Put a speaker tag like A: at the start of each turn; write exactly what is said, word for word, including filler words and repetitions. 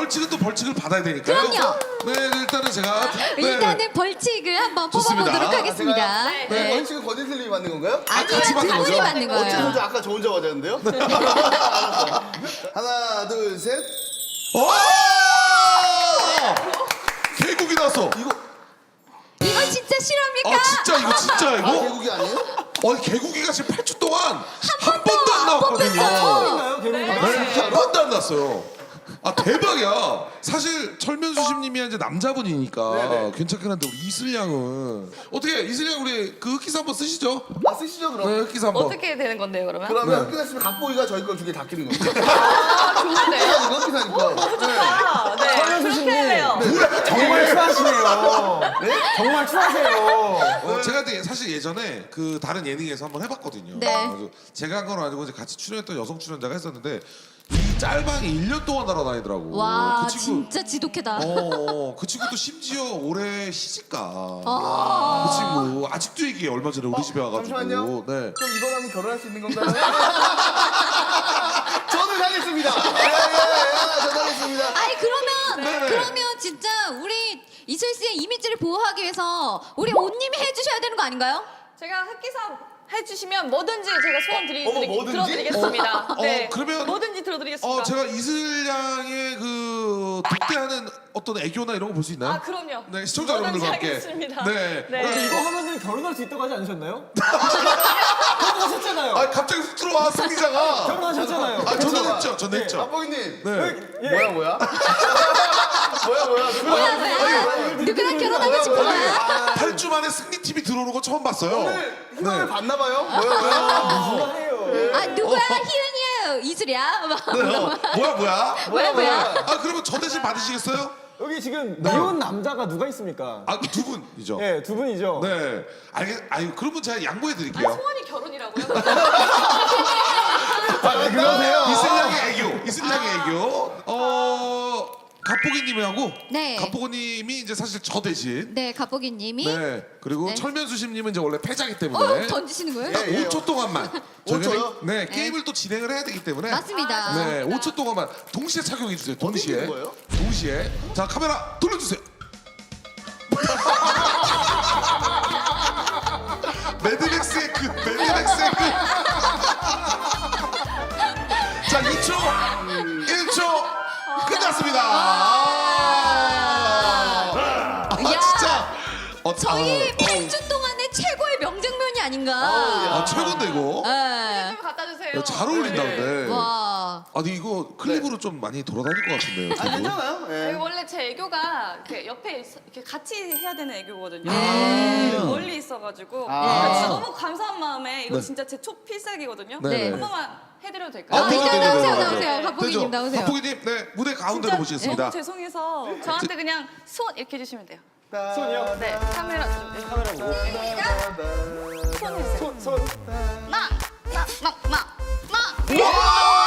A: 벌칙은 또 벌칙을 받아야 되니까요.
B: 그럼요.
A: 네, 일단은 제가 네.
B: 일단은 벌칙을 한번
A: 좋습니다.
B: 뽑아보도록
A: 아,
B: 하겠습니다.
C: 네.
B: 네.
C: 벌칙은 권인슬님이 만든 건가요?
B: 아니요,
A: 같이
B: 두
A: 받는
B: 분이
A: 거죠?
B: 받는
C: 어째
B: 거예요.
C: 혼자 아까 저 혼자 맞았는데요? 알았어. 하나, 둘, 셋.
A: 오! 개국이 나왔어.
C: 이거
B: 이거 진짜 실합니까?
A: 아 진짜 이거 진짜
C: 아,
A: 이거?
C: 개국이 아니에요?
A: 어 개국이가 지금 팔 주 동안 한 번도 안 나왔거든요.
B: 뽑혔어요.
A: 네, 한 번도 안 났어요. 아 대박이야. 사실 철면수심님이 이제 남자분이니까
C: 네네.
A: 괜찮긴 한데 우리 이슬양은 어떻게 이슬양 우리 그 흑기사 한번 쓰시죠?
C: 아, 쓰시죠, 그럼.
A: 네 흑기사 한번.
D: 어떻게 되는 건데요, 그러면?
C: 그러면
A: 네.
C: 흑기사씨면 각보기가 저희 걸 두 개 다 끼는 거죠.
D: 아, 좋은데요?
C: 흑기사니까, 흑기사니까.
D: 아, 네. 그렇게 해요.
E: 정말 추하시네요.
C: 네?
E: 정말 추하세요.
A: 어, 제가 근데 사실 예전에 그 다른 예능에서 한번 해봤거든요.
B: 네.
A: 그래서 제가 한 건 아니고 이제 같이 출연했던 여성 출연자가 했었는데 이 짤방이 일 년 동안 날아다니더라고.
B: 와,
A: 그 친구.
B: 진짜 지독해다.
A: 어, 어, 그 친구도 심지어 올해 시집가.
B: 아.
A: 그 친구 아직도 얘기해. 얼마 전에 우리 집에 와가지고.
C: 잠시만요.
A: 네.
C: 그럼 이번 하면 결혼할 수 있는 건가요? 저는 하겠습니다. 예, 예, 예, 저는 하겠습니다.
B: 아니 그러면
A: 네네.
B: 그러면 진짜 우리 이슬 씨의 이미지를 보호하기 위해서 우리 온님이 해주셔야 되는 거 아닌가요?
D: 제가 흑기사 해주시면 뭐든지 제가 소원 드리,
C: 어머,
D: 드리,
C: 뭐든지?
D: 들어드리겠습니다.
A: 어,
D: 네.
A: 어, 그러면-
D: 뭐든지 들어드리겠습니다.
A: 어, 제가 이슬양의 그 독대하는 어떤 애교나 이런 거 볼 수 있나요?
D: 아, 그럼요.
A: 네, 시청자
D: 뭐든지
A: 여러분들과 함께.
D: 하겠습니다.
A: 네.
D: 네.
E: 근데 이거 하면은 결혼할 수 있다고 하지 않으셨나요? 결혼하셨잖아요.
A: 아, 갑자기 훅 들어와, 승리자가.
E: 결혼하셨잖아요.
A: 아, 저는 했죠. 저는 했죠.
C: 박보기님.
A: 네.
C: 뭐야, 뭐야? 뭐야, 뭐야?
B: 뭐야 뭐야? 누구랑 결혼하고 싶어요?
A: 팔 주 만에 승리팀이 들어오는 거 처음 봤어요.
C: 오늘 희망을
A: 네.
C: 봤나봐요? 뭐야, 뭐야?
E: 해요.
B: 아 누구야? 희은이에요. 이슬이야. 막.
A: 네, 어. 뭐야, 뭐야?
B: 뭐야 뭐야?
A: 아, 그러면 저 대신 받으시겠어요?
E: 여기 지금 미혼 남자가 누가 있습니까?
A: 아, 그 두 분이죠.
E: 네, 두 분이죠.
A: 네. 알겠, 아유, 그러면 제가 양보해
D: 아니,
A: 드릴게요.
D: 소원이 결혼이라고요?
E: 아, 왜 그러세요?
A: 이슬양의 애교, 이슬양의 애교. 어, 갑보기님하고
B: 네.
A: 갑보기님이 이제 사실 저 대신.
B: 네, 갑보기님이
A: 네. 그리고
B: 네.
A: 철면수심님은 이제 원래 패자기 때문에.
B: 어 던지시는 거예요?
A: 딱
C: 예, 예.
A: 오 초 동안만.
C: 오
A: 저희가
C: 초요?
A: 네, 게임을 또 진행을 해야 되기 때문에.
B: 맞습니다.
A: 네, 오 초 동안만 동시에 착용해 주세요. 동시에.
C: 있는 거예요?
A: 동시에. 자, 카메라 돌려주세요. 매드맥스의 끝, 매드맥스의 끝. 자, 이 초, 일 초 끝났습니다. 아, 아,
B: 야.
A: 진짜. 어,
B: 저희
A: 아,
B: 팔 주 동안의 최고의 명장면이 아닌가.
A: 아, 최고인데 이거.
B: 네.
D: 좀 갖다 주세요.
A: 야, 잘 어울린다 근데.
B: 와.
A: 아니 이거 클립으로 좀 많이 돌아다닐 것 같은데요.
C: 아,
A: 저도.
C: 괜찮아요.
D: 이거
C: 예.
D: 원래 제 애교가 이렇게 옆에 있- 이렇게 같이 해야 되는 애교거든요.
B: 네.
D: 멀리 있어가지고
C: 아.
D: 그러니까 진짜 너무 감사한 마음에 이거
A: 네.
D: 진짜 제 초필살기거든요.
A: 네.
D: 한 번만 해드려도 될까요?
B: 아,
A: 되죠,
B: 일단
A: 되죠,
B: 나오세요,
A: 되죠.
B: 나오세요. 갑보기님
A: 되죠.
B: 나오세요.
A: 갑보기님, 네 무대 가운데로
D: 진짜
A: 모시겠습니다.
D: 너무 죄송해서 저한테 그냥 손 이렇게 해주시면 돼요.
E: 손이요?
D: 네, 카메라 좀. 네.
E: 카메라 보고.
D: 손 해주세요.
E: 손, 손.
D: 나, 나, 나, 나, 나.
A: 와!